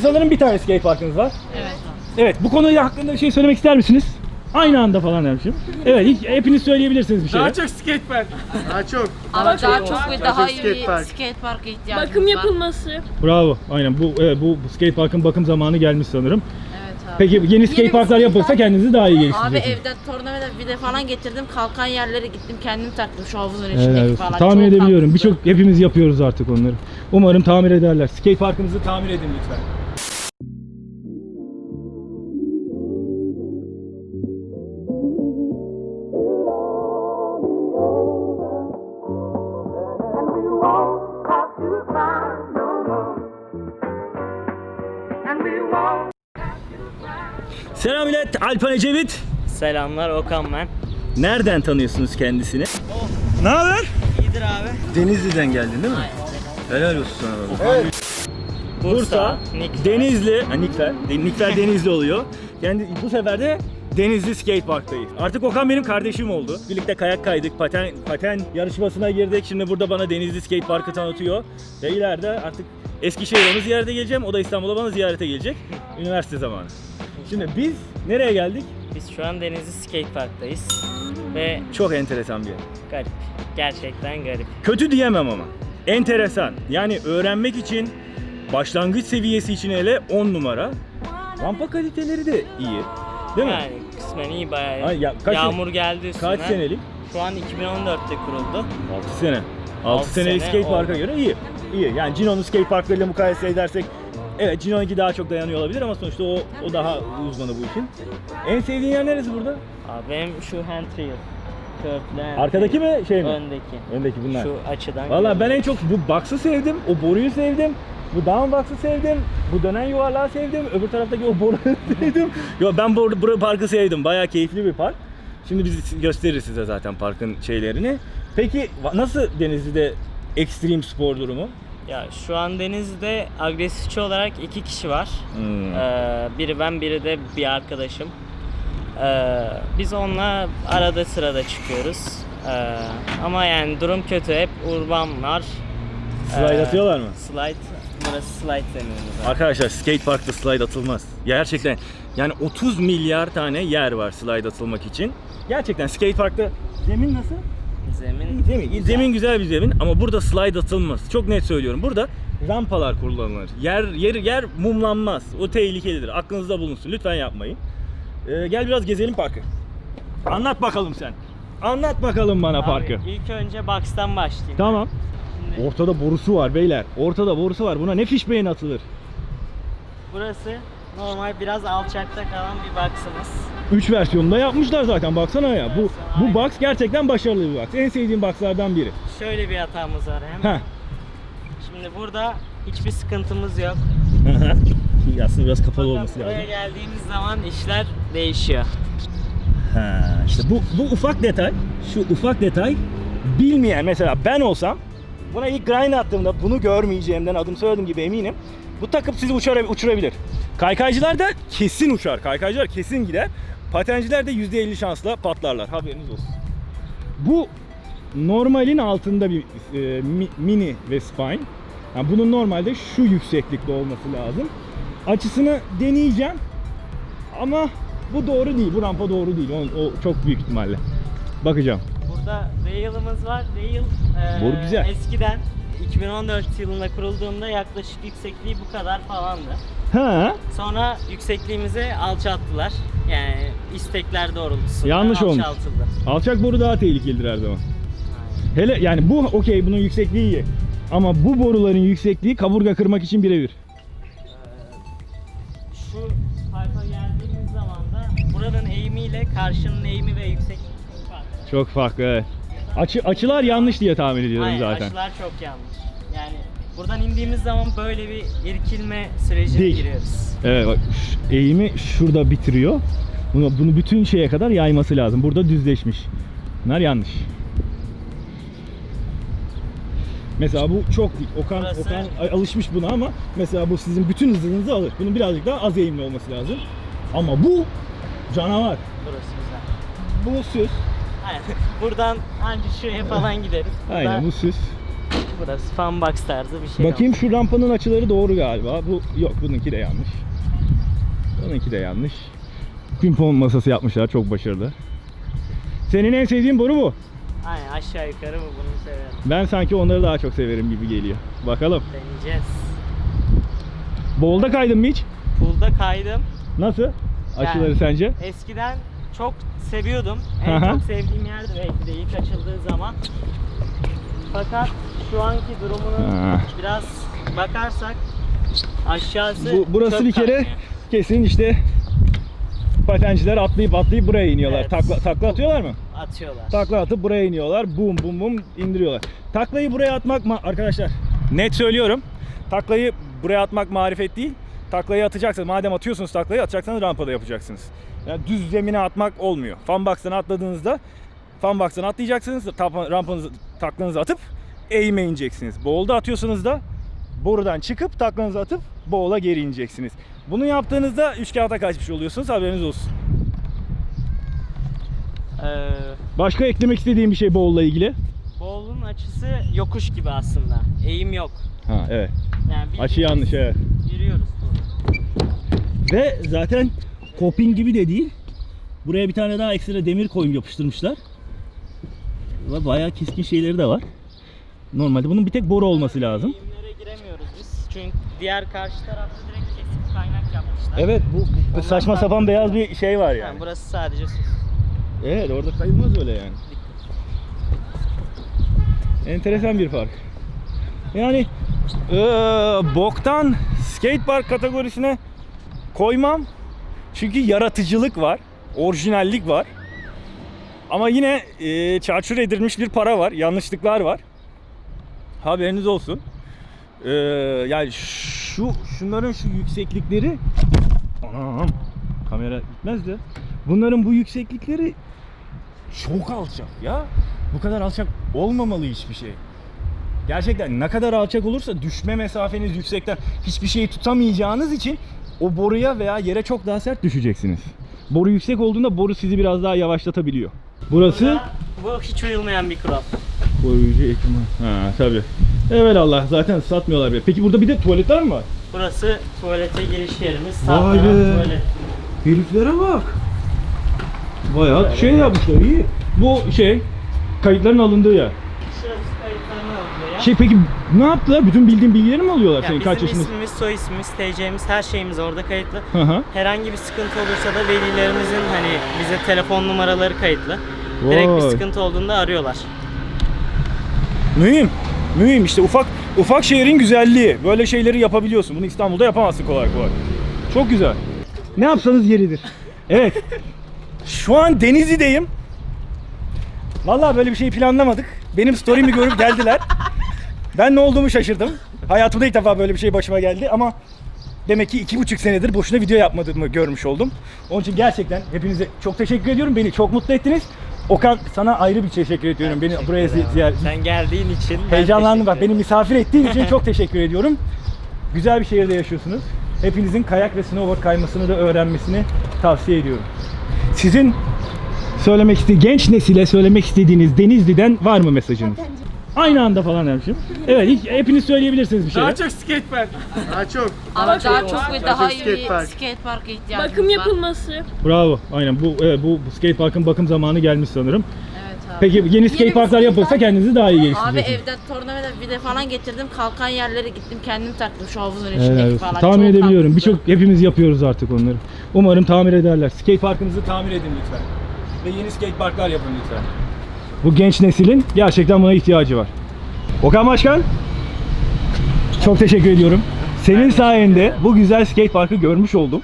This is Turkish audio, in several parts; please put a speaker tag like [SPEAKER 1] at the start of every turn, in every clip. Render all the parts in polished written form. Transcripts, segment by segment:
[SPEAKER 1] sanırım bir tane skate parkınız var.
[SPEAKER 2] Evet.
[SPEAKER 1] Evet, bu konuyu hakkında bir şey söylemek ister misiniz? Aynı anda falan demişim. Evet, hepiniz söyleyebilirsiniz bir şey.
[SPEAKER 3] Daha çok skate park. Daha çok.
[SPEAKER 2] Ama daha çok ve daha iyi
[SPEAKER 3] skate
[SPEAKER 2] bir
[SPEAKER 3] park.
[SPEAKER 2] skate parka ihtiyacımız
[SPEAKER 4] Bakım
[SPEAKER 2] var.
[SPEAKER 4] yapılması.
[SPEAKER 1] Bravo. Aynen bu skate parkın bakım zamanı gelmiş sanırım.
[SPEAKER 2] Evet abi.
[SPEAKER 1] Peki yeni skate parklar yapılsa kendinizi daha iyi
[SPEAKER 2] Abi
[SPEAKER 1] geliştireceksiniz.
[SPEAKER 2] evden tornavida vida falan getirdim. Kalkan yerlere gittim kendim taktım şu havuzun içindeki
[SPEAKER 1] Evet,
[SPEAKER 2] falan.
[SPEAKER 1] tahmin
[SPEAKER 2] Çok
[SPEAKER 1] edebiliyorum.
[SPEAKER 2] tatlı.
[SPEAKER 1] Birçok hepimiz yapıyoruz artık onları. Umarım tamir ederler. Skate parkımızı tamir edin lütfen. Selam millet, Alpan Ecevit.
[SPEAKER 5] Selamlar, Okan ben.
[SPEAKER 1] Nereden tanıyorsunuz kendisini? Ne haber?
[SPEAKER 5] İyidir abi.
[SPEAKER 1] Denizli'den geldin değil mi? Helal olsun sana. Evet. Bursa,
[SPEAKER 5] Nikfer.
[SPEAKER 1] Denizli, Nikfer Denizli oluyor. Yani bu sefer de Denizli Skate Park'tayız. Artık Okan benim kardeşim oldu. Birlikte kayak kaydık, paten yarışmasına girdik. Şimdi burada bana Denizli Skate Park'ı tanıtıyor. Ve ileride artık Eskişehir'e onu ziyarete geleceğim. O da İstanbul'a bana ziyarete gelecek. Üniversite zamanı. Şimdi biz nereye geldik?
[SPEAKER 5] Biz şu an Denizli Skate Park'tayız. Ve
[SPEAKER 1] Çok enteresan bir yer.
[SPEAKER 5] garip. Gerçekten garip.
[SPEAKER 1] Kötü diyemem ama. Enteresan. Yani öğrenmek için başlangıç seviyesi için hele 10 numara. Rampa kaliteleri de iyi. Değil mi?
[SPEAKER 5] Yani kısmen iyi bayağı.
[SPEAKER 1] Ay ya, kaç
[SPEAKER 5] Yağmur geldi üstüne.
[SPEAKER 1] Kaç senelik?
[SPEAKER 5] Şu an 2014'te kuruldu.
[SPEAKER 1] 6 sene. 6
[SPEAKER 5] Altı
[SPEAKER 1] senelik
[SPEAKER 5] sene
[SPEAKER 1] skate parka
[SPEAKER 5] oldu.
[SPEAKER 1] göre iyi. İyi. Yani Cino'nun skate parklarıyla mukayese edersek evet Cino'nunki daha çok dayanıyor olabilir ama sonuçta o daha uzmanı bu işin. En sevdiğin yer neresi burada?
[SPEAKER 5] Abi benim şu hand trail. Köprülü hand
[SPEAKER 1] Arkadaki
[SPEAKER 5] trail.
[SPEAKER 1] mi şey mi?
[SPEAKER 5] Öndeki.
[SPEAKER 1] Öndeki bunlar.
[SPEAKER 5] Şu açıdan.
[SPEAKER 1] Valla ben en çok bu box'ı sevdim, o boruyu sevdim. Bu down box'ı sevdim, bu dönen yuvarlağı sevdim, öbür taraftaki o boruyu sevdim. Yo ben bu parkı sevdim, bayağı keyifli bir park. Şimdi biz gösteririz size zaten parkın şeylerini. Peki nasıl Denizli'de ekstrem spor durumu?
[SPEAKER 5] Ya şu an Denizli'de agresifçi olarak 2 kişi var. Biri ben, biri de bir arkadaşım. Biz onunla arada sırada çıkıyoruz. Ama yani durum kötü. Hep urban var.
[SPEAKER 1] Slide atıyorlar mı?
[SPEAKER 5] Slide. Burası slide deniyoruz.
[SPEAKER 1] Arkadaşlar skate parkta slide atılmaz. Gerçekten yani 30 milyar tane yer var slide atılmak için. Gerçekten skate parkta zemin nasıl?
[SPEAKER 5] Zemin.
[SPEAKER 1] Zemin güzel bir zemin ama burada slide atılmaz. Çok net söylüyorum. Burada rampalar kullanılır. Yer mumlanmaz. O tehlikelidir. Aklınızda bulunsun. Lütfen yapmayın. Gel biraz gezelim parkı. Anlat bakalım sen. Anlat bakalım bana
[SPEAKER 5] Abi,
[SPEAKER 1] parkı.
[SPEAKER 5] İlk önce box'tan başlayayım.
[SPEAKER 1] Tamam.
[SPEAKER 5] Şimdi
[SPEAKER 1] Ortada borusu var beyler. Ortada borusu var. Buna ne fishbane atılır?
[SPEAKER 5] burası normal biraz alçakta kalan bir box'ımız.
[SPEAKER 1] 3 versiyonunda yapmışlar zaten. Baksana ya. Bu box gerçekten başarılı bir box. En sevdiğim boxlardan biri.
[SPEAKER 5] Şöyle bir hatamız var hemen.
[SPEAKER 1] Heh.
[SPEAKER 5] Şimdi burada hiçbir sıkıntımız yok.
[SPEAKER 1] Aslında biraz kapalı
[SPEAKER 5] Fakat
[SPEAKER 1] olması
[SPEAKER 5] buraya
[SPEAKER 1] lazım.
[SPEAKER 5] geldiğimiz zaman işler değişiyor.
[SPEAKER 1] İşte bu ufak detay, şu ufak detay bilmeyen mesela ben olsam buna ilk grind attığımda bunu görmeyeceğimden adım soyadım gibi eminim. Bu takıp sizi uçurabilir. Kaykaycılar da kesin uçar. Kaykaycılar kesin gider. Patenciler de %50 şansla patlarlar. Haberiniz olsun. Bu normalin altında bir mini ve spine. Yani bunun normalde şu yükseklikte olması lazım. Açısını deneyeceğim. Ama bu doğru değil. Bu rampa doğru değil. O çok büyük ihtimalle. Bakacağım.
[SPEAKER 5] Burada rail'ımız var. Rail
[SPEAKER 1] Boru güzel.
[SPEAKER 5] eskiden 2014 yılında kurulduğunda yaklaşık yüksekliği bu kadar falandı.
[SPEAKER 1] Ha?
[SPEAKER 5] Sonra yüksekliğimizi alçalttılar. Yani istekler doğrultusunda
[SPEAKER 1] Yanlış olmuş.
[SPEAKER 5] alçaltıldı.
[SPEAKER 1] Alçak boru daha tehlikelidir her zaman. Hele yani bu okey, bunun yüksekliği iyi. Ama bu boruların yüksekliği kaburga kırmak için birebir.
[SPEAKER 5] Şu parka geldiğimiz zaman da buranın eğimiyle karşının eğimi ve yüksekliği farklı.
[SPEAKER 1] Çok farklı, evet. Açılar yanlış diye tahmin ediyorum
[SPEAKER 5] Hayır,
[SPEAKER 1] zaten.
[SPEAKER 5] açılar çok yanlış. Yani buradan indiğimiz zaman böyle bir irkilme sürecine
[SPEAKER 1] Dik.
[SPEAKER 5] giriyoruz.
[SPEAKER 1] Evet bak, eğimi şurada bitiriyor. Bunu bütün şeye kadar yayması lazım. Burada düzleşmiş. Bunlar yanlış. Mesela bu çok dik. Okan alışmış buna ama mesela bu sizin bütün hızınızı alır. Bunun birazcık daha az eğimli olması lazım. Ama bu canavar.
[SPEAKER 5] Burası güzel.
[SPEAKER 1] Bu süs.
[SPEAKER 5] Aynen. Buradan ancak şuraya falan gideriz.
[SPEAKER 1] Aynen bu süs.
[SPEAKER 5] Burası funbox tarzı bir şey.
[SPEAKER 1] Bakayım şu rampanın açıları doğru galiba. Bu yok, bununki de yanlış. Bununki de yanlış. Pimpon masası yapmışlar, çok başarılı. Senin en sevdiğin boru bu.
[SPEAKER 5] Aynen, aşağı yukarı bu, bunu severim.
[SPEAKER 1] Ben sanki onları daha çok severim gibi geliyor. Bakalım.
[SPEAKER 5] Deneyeceğiz.
[SPEAKER 1] Bowl'da kaydın mı hiç?
[SPEAKER 5] Pool'da kaydım.
[SPEAKER 1] Nasıl? Açıları
[SPEAKER 5] Yani
[SPEAKER 1] sence?
[SPEAKER 5] Eskiden çok seviyordum.
[SPEAKER 1] Hı
[SPEAKER 5] En
[SPEAKER 1] hı.
[SPEAKER 5] çok sevdiğim yerdi belki de ilk açıldığı zaman. Fakat şu anki durumunu
[SPEAKER 1] Ha.
[SPEAKER 5] biraz bakarsak aşağısı
[SPEAKER 1] Burası
[SPEAKER 5] çöp
[SPEAKER 1] bir kere
[SPEAKER 5] kaynıyor.
[SPEAKER 1] kesin işte patenciler atlayıp buraya iniyorlar.
[SPEAKER 5] Evet.
[SPEAKER 1] Takla atıyorlar mı?
[SPEAKER 5] Atıyorlar.
[SPEAKER 1] Takla atıp buraya iniyorlar. Bum bum bum indiriyorlar. Taklayı buraya atmak arkadaşlar, net söylüyorum. Taklayı buraya atmak marifet değil. Taklayı atacaksınız. Madem atıyorsunuz taklayı, atacaksanız rampada yapacaksınız. Yani düz zemine atmak olmuyor. Funbox'tan atladığınızda funbox'tan atlayacaksınız. Rampanızı, taklanızı atıp eğime ineceksiniz. Bowl'da atıyorsanız da borudan çıkıp taklanızı atıp bowl'a geri ineceksiniz. Bunu yaptığınızda üç kağıta kaçmış oluyorsunuz. Haberiniz olsun. Başka eklemek istediğim bir şey bowl'la ilgili?
[SPEAKER 5] Bowl'un açısı yokuş gibi aslında. Eğim yok.
[SPEAKER 1] Ha evet.
[SPEAKER 5] Yani
[SPEAKER 1] Açı yanlış, evet.
[SPEAKER 5] Yürüyoruz burada.
[SPEAKER 1] Ve zaten coping gibi de değil. Buraya bir tane daha ekstra demir koyup yapıştırmışlar. Ve bayağı keskin şeyleri de var. Normalde bunun bir tek boru olması lazım.
[SPEAKER 5] Eğimlere giremiyoruz biz. Çünkü diğer karşı tarafta direkt kesik kaynak yapmışlar.
[SPEAKER 1] Evet, bu saçma sapan beyaz bir şey var yani.
[SPEAKER 5] Yani burası sadece su.
[SPEAKER 1] Evet, orada kayılmaz öyle yani. Enteresan bir fark. Yani boktan skatepark kategorisine koymam. Çünkü yaratıcılık var, orijinallik var. Ama yine çarçur edilmiş bir para var, yanlışlıklar var. Haberiniz olsun. Yani şunların şu yükseklikleri, anam, kamera gitmez de. Bunların bu yükseklikleri çok alçak ya. Bu kadar alçak olmamalı hiçbir şey. Gerçekten ne kadar alçak olursa düşme mesafeniz yüksekten, hiçbir şeyi tutamayacağınız için o boruya veya yere çok daha sert düşeceksiniz. Boru yüksek olduğunda boru sizi biraz daha yavaşlatabiliyor. Burası
[SPEAKER 5] Bu hiç uyulmayan bir kural.
[SPEAKER 1] koruyucu ekipman. Ha tabii. Evet Allah, zaten satmıyorlar bile. Peki burada bir de tuvaletler mi var?
[SPEAKER 5] Burası tuvalete giriş yerimiz. Sağ
[SPEAKER 1] Vay
[SPEAKER 5] taraf
[SPEAKER 1] be.
[SPEAKER 5] tuvalet.
[SPEAKER 1] Heriflere bak. Bayağı şey yapmışlar, iyi. Bu şey kayıtların alındığı yer.
[SPEAKER 5] Şurası kayıtlarını alıyor ya.
[SPEAKER 1] Peki ne yaptılar? Bütün bildiğin bilgileri mi alıyorlar
[SPEAKER 5] Yani
[SPEAKER 1] senin? Kaç
[SPEAKER 5] bizim
[SPEAKER 1] yaşındasın?
[SPEAKER 5] ismimiz, soy ismimiz, TC'miz, her şeyimiz orada kayıtlı.
[SPEAKER 1] Hı hı.
[SPEAKER 5] Herhangi bir sıkıntı olursa da velilerimizin hani bize telefon numaraları kayıtlı. Direkt bir
[SPEAKER 1] Vay.
[SPEAKER 5] sıkıntı olduğunda arıyorlar.
[SPEAKER 1] Mühim. Mühim işte, ufak şehrin güzelliği. Böyle şeyleri yapabiliyorsun. Bunu İstanbul'da yapamazsın kolay kolay. Çok güzel. Ne yapsanız yeridir. Evet. Şu an Denizli'deyim. Vallahi böyle bir şey planlamadık. Benim story'mi görüp geldiler. Ben ne olduğumu şaşırdım. Hayatımda ilk defa böyle bir şey başıma geldi ama demek ki 2,5 senedir boşuna video yapmadığımı görmüş oldum. Onun için gerçekten hepinize çok teşekkür ediyorum. Beni çok mutlu ettiniz. Okan, sana ayrı bir teşekkür ediyorum. Beni buraya ziyaret.
[SPEAKER 5] Sen geldiğin için ben
[SPEAKER 1] Heyecanlandım, bak
[SPEAKER 5] teşekkür
[SPEAKER 1] beni misafir ettiğin için çok teşekkür ediyorum. Güzel bir şehirde yaşıyorsunuz. Hepinizin kayak ve snowboard kaymasını da öğrenmesini tavsiye ediyorum. Sizin genç nesile söylemek istediğiniz Denizli'den var mı mesajınız? Aynı anda falan demişim. Evet, hepiniz söyleyebilirsiniz bir şeyler.
[SPEAKER 3] Daha çok skatepark. Daha çok.
[SPEAKER 2] Ama daha çok ve daha iyi
[SPEAKER 3] skate
[SPEAKER 2] bir
[SPEAKER 3] park.
[SPEAKER 2] skatepark'a ihtiyacımız
[SPEAKER 4] Bakım
[SPEAKER 2] var.
[SPEAKER 4] yapılması.
[SPEAKER 1] Bravo. Aynen bu skate parkın bakım zamanı gelmiş sanırım.
[SPEAKER 2] Evet abi.
[SPEAKER 1] Peki yeni skate
[SPEAKER 4] bir
[SPEAKER 1] parklar
[SPEAKER 4] skate
[SPEAKER 1] yapılsa
[SPEAKER 4] park.
[SPEAKER 1] kendinizi daha iyi
[SPEAKER 2] Abi
[SPEAKER 1] geliştireceksiniz.
[SPEAKER 2] evden tornavida vida falan getirdim. Kalkan yerlere gittim. Kendim taktım şu havuzun
[SPEAKER 1] Evet,
[SPEAKER 2] içindeki falan.
[SPEAKER 1] tahmin
[SPEAKER 2] Çok
[SPEAKER 1] edebiliyorum.
[SPEAKER 2] tatlı.
[SPEAKER 1] Hepimiz yapıyoruz artık onları. Umarım tamir ederler. Skate parkınızı tamir edin lütfen. Ve yeni skate parklar yapın lütfen. Bu genç neslin gerçekten buna ihtiyacı var. Okan Başkan, çok teşekkür ediyorum. Senin sayende bu güzel skate parkı görmüş oldum.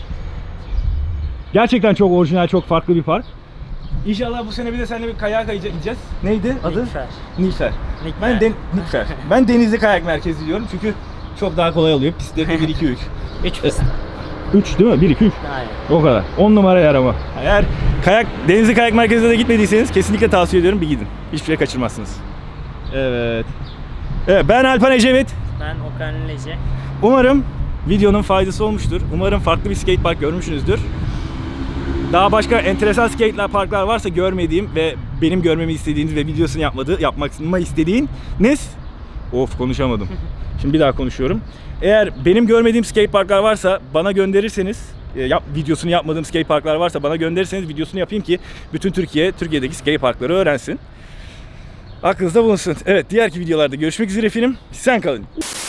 [SPEAKER 1] Gerçekten çok orijinal, çok farklı bir park. İnşallah bu sene bir de seninle bir kayağa kayacağız. Neydi adı?
[SPEAKER 5] Nilüfer.
[SPEAKER 1] Nilüfer.
[SPEAKER 5] Nilüfer.
[SPEAKER 1] Nilüfer. Ben Denizli Kayak Merkezi diyorum çünkü çok daha kolay oluyor. Pistleri 1 2 3.
[SPEAKER 5] 3 pist.
[SPEAKER 1] 3 değil mi? 1 2 3.
[SPEAKER 5] Hayır.
[SPEAKER 1] O kadar. 10 numara yer ama. Eğer Denizli Kayak Merkezi'ne de gitmediyseniz kesinlikle tavsiye ediyorum, bir gidin. Hiçbir şey kaçırmazsınız. Evet. Evet, ben Alpan Ecevit.
[SPEAKER 5] Ben Okan Lece.
[SPEAKER 1] Umarım videonun faydası olmuştur. Umarım farklı bir skate park görmüşsünüzdür. Daha başka enteresan skate parklar varsa görmediğim ve benim görmemi istediğiniz ve videosunu yapmamı istediğiniz Of konuşamadım. Şimdi bir daha konuşuyorum. Eğer benim görmediğim skate parklar varsa bana gönderirseniz, videosunu yapmadığım skate parklar varsa bana gönderirseniz videosunu yapayım ki bütün Türkiye'deki skate parkları öğrensin. Aklınızda bulunsun. Evet, diğerki videolarda görüşmek üzere efendim. Sen kalın.